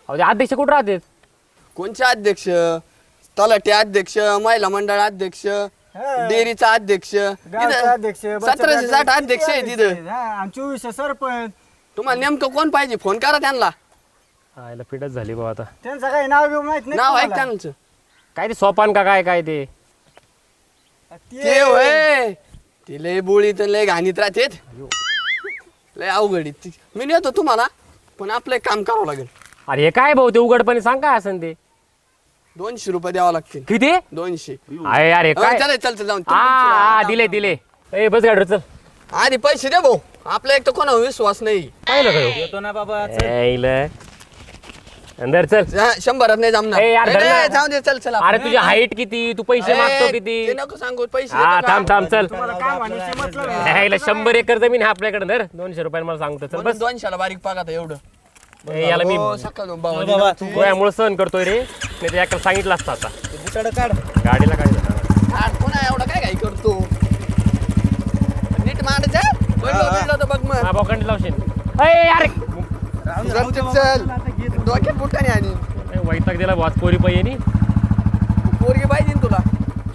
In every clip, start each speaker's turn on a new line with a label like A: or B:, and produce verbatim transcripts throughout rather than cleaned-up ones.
A: अहो ते अध्यक्ष कुठं राहतात?
B: कोणचे अध्यक्ष? तलाठी अध्यक्ष, महिला मंडळ अध्यक्ष, डेअरीचा अध्यक्ष, सतराशे साठ अध्यक्ष आहे तिथं.
C: चोवीसशे सरपंच.
B: तुम्हाला नेमकं कोण पाहिजे? फोन करा त्यांना.
A: आयला फिटच झाली बाबा. आता
C: त्यांचं काही नाव घेऊन माहित नाही
B: नाव ऐक
C: तुम्हाला?
B: त्यांचं.
A: काय ते सोपान का काय काय ते?
B: ते होय ते लय बोळीत लय घाणीत राहतेत. लय अवघड आहे. मी नेतो तुम्हाला, पण आपलं एक काम करावं लागेल.
A: अरे हे काय भाऊ ते उघडपणे सांग काय असेल ते?
B: दोनशे रुपये द्यावं लागतील.
A: किती?
B: दोनशे.
A: अरे अरे काय?
B: चल चल चल जाऊन.
A: हा हा दिले दिले. ए बस गाडी चल.
B: आधी पैसे दे भाऊ. आपला एक तर कोणावर विश्वास नाही.
A: पाहिलं का ह्यो?
C: येतो ना बाबा.
A: यायला. अंदर चल.
B: हा, शंभरात नाही जमणार.
A: ए, यार,
B: ए,
A: धर ना.
B: ए, जाऊ दे चल चल
A: अरे तुझी हाईट किती? तू पैसे मागतो किती?
B: ते नको सांगू पैसे
A: हा
B: देतो का?
A: थांब थांब चल.
C: तुम्हाला काय म्हणायचं मतलब आहे?
A: यायला शंभर एकर जमीन आहे आपल्याकडे. धर दोनशे रुपयाला मला सांगतो. चल
B: म्हणून
A: बस.
B: दोनशेला बारीक पागात एवढं.
A: ए, याला मी
B: हो, सकाळ दोन बाबा.
A: गोळ्यामुळे सहन करतोय रे. नाही तर याकडे सांगितलं असतं आता.
C: बुटाडं काढ.
A: गाडीला काय झालं?
B: हा, कोणा एवढा काय काय करतो? नीट मांडायचं. पडलं पडलं तर बघ मग.
A: हा बोकंडी लावशील. अरे अरे
B: चल चल डोक्यात बुटाने आणि
A: ए, वैताग दिला वाच पोरी पाहिजे.
B: पोरगी पाहिजे ना तुला.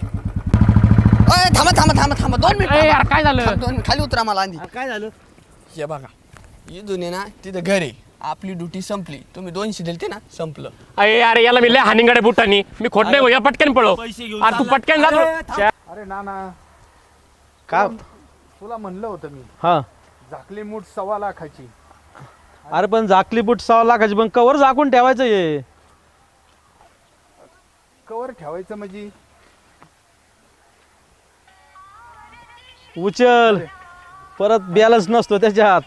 B: अय थांबा थांबा थांबा थांबा दोन मिनिट
A: ए, यार काय झालं?
B: थांब, दोन मिनिट खाली उतरा मला आधी.
C: काय झालं?
B: हे बघा इथून आहे ना तिथं घर आहे. आपली ड्युटी संपली. तुम्ही दोनशे दिलते ना, संपलं.
A: अरे अरे याला मी लय हानिंगाडे बुटानी. मी खोट नाही या पटकन पळो. अरे तू पटकन जा.
D: अरे नाना
E: का?
D: तुला म्हणलं होतं मी,
E: हा
D: झाकली मूठ सव्वा लाखाची.
E: अरे पण झाकली बुट सहा लाखाची, पण कवर झाकून ठेवायचं हे.
D: कवर ठेवायचं म्हणजे
E: उचल परत बॅलन्स नसतो त्याच्यात.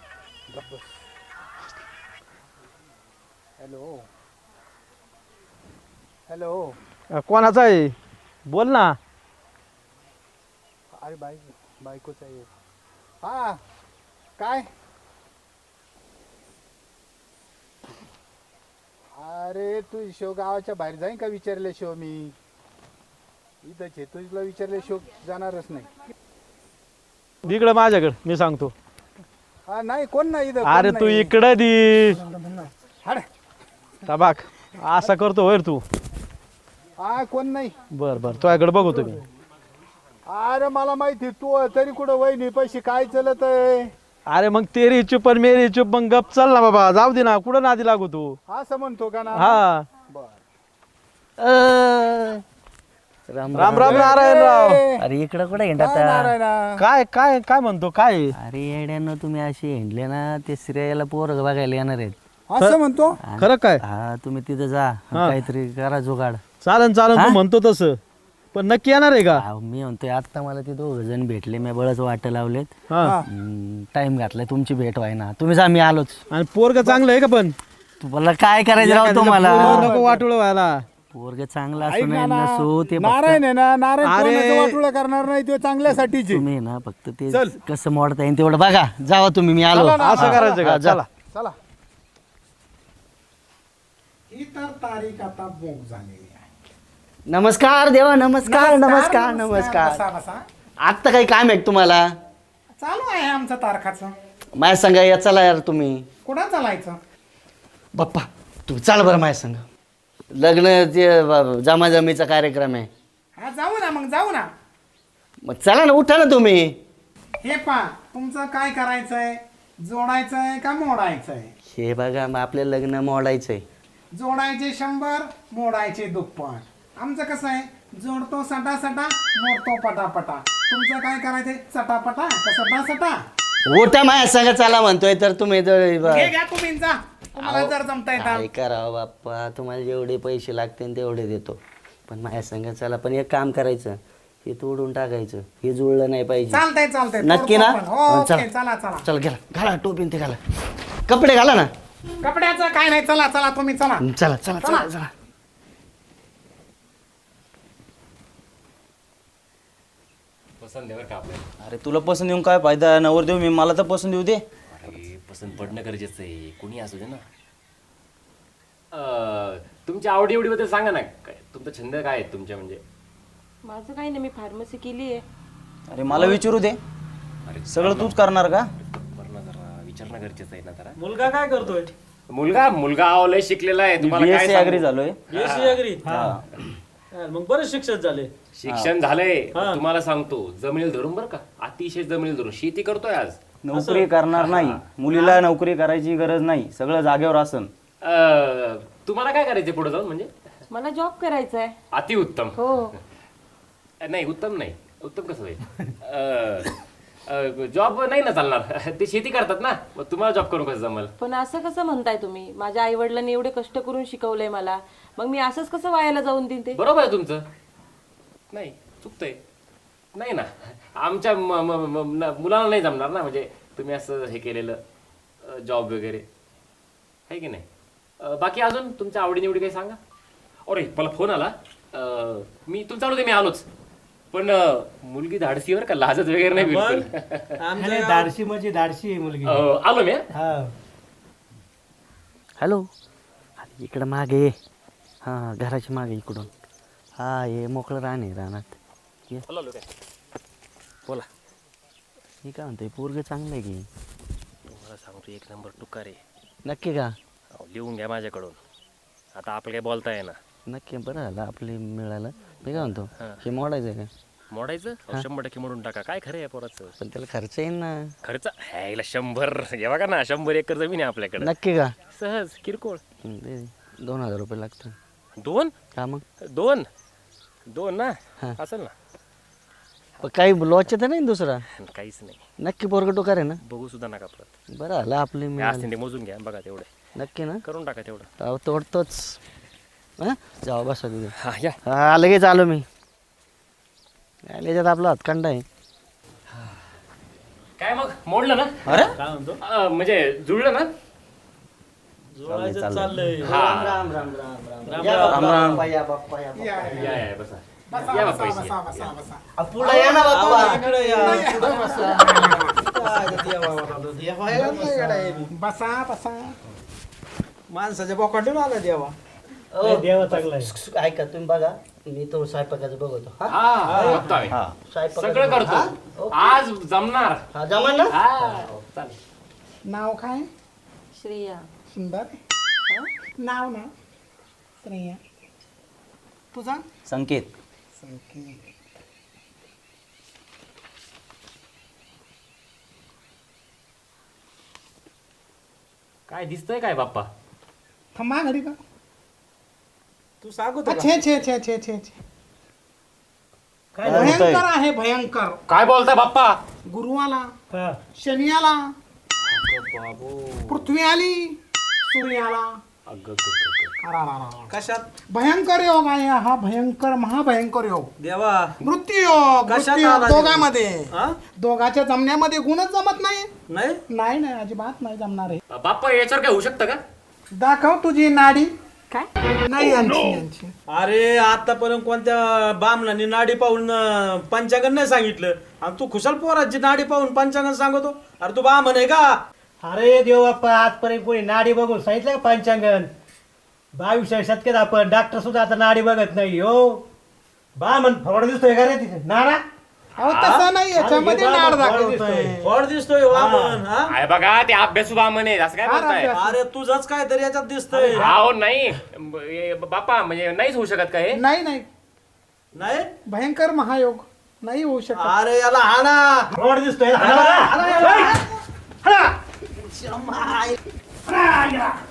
D: हॅलो हॅलो
E: अ, कोणाचा आहे बोल ना.
D: अरे बाई बायकोचा आहे. हा काय? अरे तू शिव गावाच्या बाहेर जाईन का विचारले शिव? मी इथंच आहे. तुला विचारले शिव जाणारच नाही.
E: इकडं माझ्याकडं मी सांगतो.
D: हा नाही कोण नाही इथं.
E: अरे
D: कोण
E: तू
D: नाही.
E: इकडं दी
D: हाड.
E: टबाक असा करतो होय रे तू.
D: हा कोण नाही.
E: बर बर तुझ्याकडे बघू तुम्ही.
D: अरे मला माहिती तू तरी कुठं वहिनी पैसे काय चलत आहे.
E: अरे मग तेरी चुप पण मेरी चुप, मग गप चल ना बाबा. जाऊ दे ना, कुठं नादी लागू तू.
D: असं म्हणतो का ना?
E: हा
D: बर.
F: राम
E: राम राम नारायणराव.
F: अरे इकडं कुठं
D: काय
F: हिंडता?
D: नारायणा?
E: काय काय काय म्हणतो काय?
F: अरे येड्यानं तुम्ही असे हिंडले ना, ते श्रेयाला पोरं बघायला येणार आहेत.
D: असं म्हणतो.
E: खरं काय?
F: हा तुम्ही तिथं जा, काहीतरी करा जुगाड.
E: चालन चालन तू
F: हा?
E: म्हणतो तसं, पण नक्की येणार आहे का?
F: अहो, मी म्हणतोय आता मला ते दोघ जण भेटले, मी बळच वाट लावलेत.
E: हा
F: टाइम घातलाय तुमची भेट व्हाय ना. तुम्ही जा, मी आलोच.
E: आणि पोरग चांगलं आहे का? पण
F: तुम्हाला काय करायचं राव तुम्हाला?
E: पोरं नको वाटोळ व्हायला.
F: पोरग चांगला
D: ऐक
F: असू
D: ना
F: नये
D: ना,
F: नसो ते फक्त
D: नारायण आहे ना, नारायण
E: अरे.
D: कोणाचं वाटोळं करणार नाही. तो चांगल्यासाठीची.
F: तुम्ही ना फक्त ते कसं मोडता येईल तेवढं बघा. जावा तुम्ही, मी आलो.
D: चला ना,
E: असं करायचं का? चला
D: चला. ही तर तारीख आता बोग झालेली आहे.
F: नमस्कार देवा, नमस्कार नमस्कार
D: बसा
F: नमस्कार.
D: बसा.
F: आत्ता काही काम आहे का तुम्हाला?
D: चालू आहे आमचं तारखाचं.
F: माझ्या संग या, चला यार तुम्ही.
D: कुठं चालायचं?
F: बाप्पा तू चाल बरं माझ्या संग. लग्न ते ब- जमाजमीचा कार्यक्रम आहे.
D: हा जाऊ ना मग, जाऊ ना.
F: मग चला ना, उठा ना तुम्ही.
D: हे पा तुमचं काय करायचंय? जोडायचंय का मोडायचंय?
F: हे बघा मग आपलं लग्न मोडायचंय.
D: जोडायचे शंभर, मोडायचे दुप्पट. आमचं कसं आहे, जोडतो सटा सटा, मोडतो पटापटा. तुमचं काय करायचंय? चटापटा का सटा सटा?
F: उठा माझ्या संग चला म्हणतोय तर तुम्ही तर
D: घे घ्या तुम्ही जा. तुम्हाला जर जमता येतात.
F: काय करावं बाप्पा, तुम्हाला जेवढे पैसे लागतील तेवढे देतो, पण माझ्या संग चला. पण एक काम करायचं, हे तोडून टाकायचं, हे जुळलं नाही पाहिजे.
D: चालतंय चालतंय.
F: नक्की ना?
D: तोडतो पण. हो,
F: हा,
D: ओके,
F: चला.
D: चला चला.
F: चल घाला घाला टोपी ते घाला, कपडे घाला ना.
D: कपड्याचं काय नाही. चला चला तुम्ही चला.
F: चला चला चला चला.
A: पसंत का आपल्याला?
G: अरे तुला पसंत येऊन काय फायदा? नवर देऊ मी, मला तर पसंत येऊ दे.
A: अरे पसंत पडणं गरजेचं आहे, कोणी असू दे ना. अं, तुमच्या आवडी एवढीबद्दल सांगा ना. काय तुमचा छंद काय आहे तुमच्या? म्हणजे
H: माझं काही नाही, मी फार्मसी केली आहे.
G: अरे मला विचारू दे, सगळं तूच करणार का?
A: बरं ना, जरा विचारणं गरजेचं आहे ना जरा.
E: मुलगा काय करतोय?
A: मुलगा मुलगा अहो लय शिकलेला आहे तुम्हाला काय
G: बीएससी
A: सांगू?
G: अग्री झालोय
E: बीएससी अग्री मग बरेच शिक्षण झाले.
A: शिक्षण झालंय तुम्हाला सांगतो जमिनील धरून बरं का अतिशय जमिनील धरून शेती करतोय आज.
G: नोकरी करणार नाही, मुलीला नोकरी करायची गरज नाही, सगळं जागेवर असन.
A: अं, तुम्हाला काय करायचं पुढे जाऊन म्हणजे
H: मला जॉब करायचा आहे.
A: अतिउत्तम.
H: हो.
A: नाही उत्तम नाही, उत्तम कसं होईल? जॉब नाही ना चालणार, ते शेती करतात ना, मग तुम्हाला जॉब करून कसं जमल?
H: पण असं कसं म्हणताय तुम्ही? माझ्या आई वडिलांनी एवढे कष्ट करून शिकवलंय मला, मग मी असंच कसं वायाला जाऊन देईन ते?
A: बरोबर आहे तुमचं. नाही चुकतंय. नाही ना, आमच्या म- म- म- न- मुलाला नाही जमणार ना, म्हणजे तुम्ही असं हे केलेलं जॉब वगैरे आहे की नाही. अं, बाकी अजून तुमच्या आवडीनिवडी काही सांगा. अरे मला फोन आला, अं, मी तुमचा आवडते मी आलोच, पण अं, मुलगी धाडसीवर का लाजत वगैरे नाही बिलकुल.
C: धाडशी म्हणजे धाडशी आहे मुलगी.
A: अं, आलो मी.
C: हा.
F: हॅलो, अरे इकडं मागे ये. हां घराच्या मागे इकडून. हा ये मोकळं रान आहे रानात. ये.
A: बोला.
F: मी काय म्हणतोय पोरगं चांगलं आहे की?
A: मला सांगतो एक नंबर टुकार आहे.
F: नक्की का?
A: अहो, लिहून घ्या माझ्याकडून. आता आपलं काही बोलता येईना.
F: नक्की बरं झालं आपले मिळालं. मी काय म्हणतो हे मोडायचं आहे का?
A: मोडायचं अहो, शंभर टक्के मोडून टाका. काय खरं आहे पोराचं?
F: पण त्याला खर्च येईल ना.
A: खर्च ह्याला शंभर हे बघा ना, शंभर एकर जमीन आहे आपल्याकडे.
F: नक्की का?
A: सहज किरकोळ.
F: हं, दे दे. दोन हजार रुपये लागतात.
A: दोन
F: का मग?
A: दोन दोन ना
F: हा.
A: असेल ना.
F: पण काही लॉच तर नाही ना दुसरा?
A: काहीच नाही.
F: नक्की पोरगं टोकार आहे ना?
A: बघू सुद्धा नका परत.
F: बरं झालं आपले
A: मी
F: मिळालं.
A: असते ते मोजून घ्या बघा तेवढे.
F: नक्की ना?
A: करून टाका तेवढं.
F: अहो तोडतोच. हां जाऊ बसा तिथे.
A: हा या.
F: हा लगेच आलो मी. याच्यात आपला हातखंडा आहे.
A: काय मग मोडलं ना?
G: अरे
E: काय म्हणतो?
A: अं, म्हणजे जुळलं ना?
E: जोडायचं चाललंय.
A: हा
F: राम राम राम राम
E: या
G: राम राम.
F: बाप्पा, या बाप्पा, या
D: या,
F: बाप्पा.
D: या.
A: या या बसा.
D: बसा
A: या
D: बसा
A: बाप्पा,
D: बसा
A: इथे.
D: बसा बसा.
F: आ, पुढं या ना बाप्पा.
E: इकडे या.
F: पुढं बसा.
D: बसा बसा.
C: माणसाच्या बोकाटून आला देवा.
F: ओ,
C: देवा चांगला आहे.
F: ऐका तुम्ही बघा मी तो स्वयंपाकाचं बघतो. हा
A: हा बघतोय.
G: हा
F: स्वयंपाकाचं
A: सगळं
F: बघतो. हा?
A: करतो. आज जमणार.
F: हा जमा ना?
A: हा चालेल.
D: नाव काय?
H: श्रेया.
D: सुंदर. नाव ना श्रेया. तुझा?
G: संकेत.
D: संकेत.
A: काय दिसतंय काय बाप्पा?
D: थांबा घडी का?
C: तू सांगू तो का?
D: छे छे छे छे छे छे.
C: काय
G: काय होतंय?
D: भयंकर आहे भयंकर.
A: काय बोलताय बाप्पा?
D: गुरु आला,
C: हा.
D: शनी आला, पृथ्वी आली, सूर्य आला. अरारारा.
C: कशात
D: भयंकर योग आहे हा, भयंकर महाभयंकर योग.
C: देवा?
D: मृत्यू योग,
C: कशात
D: मृत्यू योग
C: आला देव?
D: दोघांमध्ये.
C: हा?
D: दोघांच्या जमण्यामध्ये गुणच जमत नाही.
C: नाही
D: नाही नाही अजिबात नाही जमणार आहे.
A: बाप्पा याच्यावर काय होऊ शकतं का?
D: दाखव तुझी नाडी.
H: काय?
D: नाही यांची यांची.
C: अरे आतापर्यंत कोणत्या बामणाने नाडी पाहून अं, पंचांगण नाही सांगितलं आणि तू खुशाल पोराची नाडी पाहून पंचांगण सांगतो. अरे तू बामण आहे का?
I: अरे देवबाप्पा आजपर्यंत कोणी नाडी बघून सांगितलं का पंचांगण? बावीसव्या शतकात आपण डॉक्टर सुद्धा आता नाडी बघत नाही हो. बा म्हण फवड दिसतोय का रे तिथे नाडा?
D: अहो तसं नाही याच्यामध्ये
I: अरे,
D: नाड
I: हे बा,
D: दाखवतोय.
C: फळ दिसतोय वामन. हा?
A: आहे बघा ते अभ्यासू बामण आहे असं काय
D: फार
A: बोलताय?
D: अभ्यास.
C: अरे तुझंच काय तरी याच्यात दिसतंय.
A: हो नाही ब- हे बाप्पा म्हणजे नाहीच होऊ शकत का हे?
D: नाही नाही
C: नाही
D: भयंकर महायोग नाही होऊ शकत.
C: अरे याला हाना.
I: फवड दिसतोय हाणा बरं. हाणा.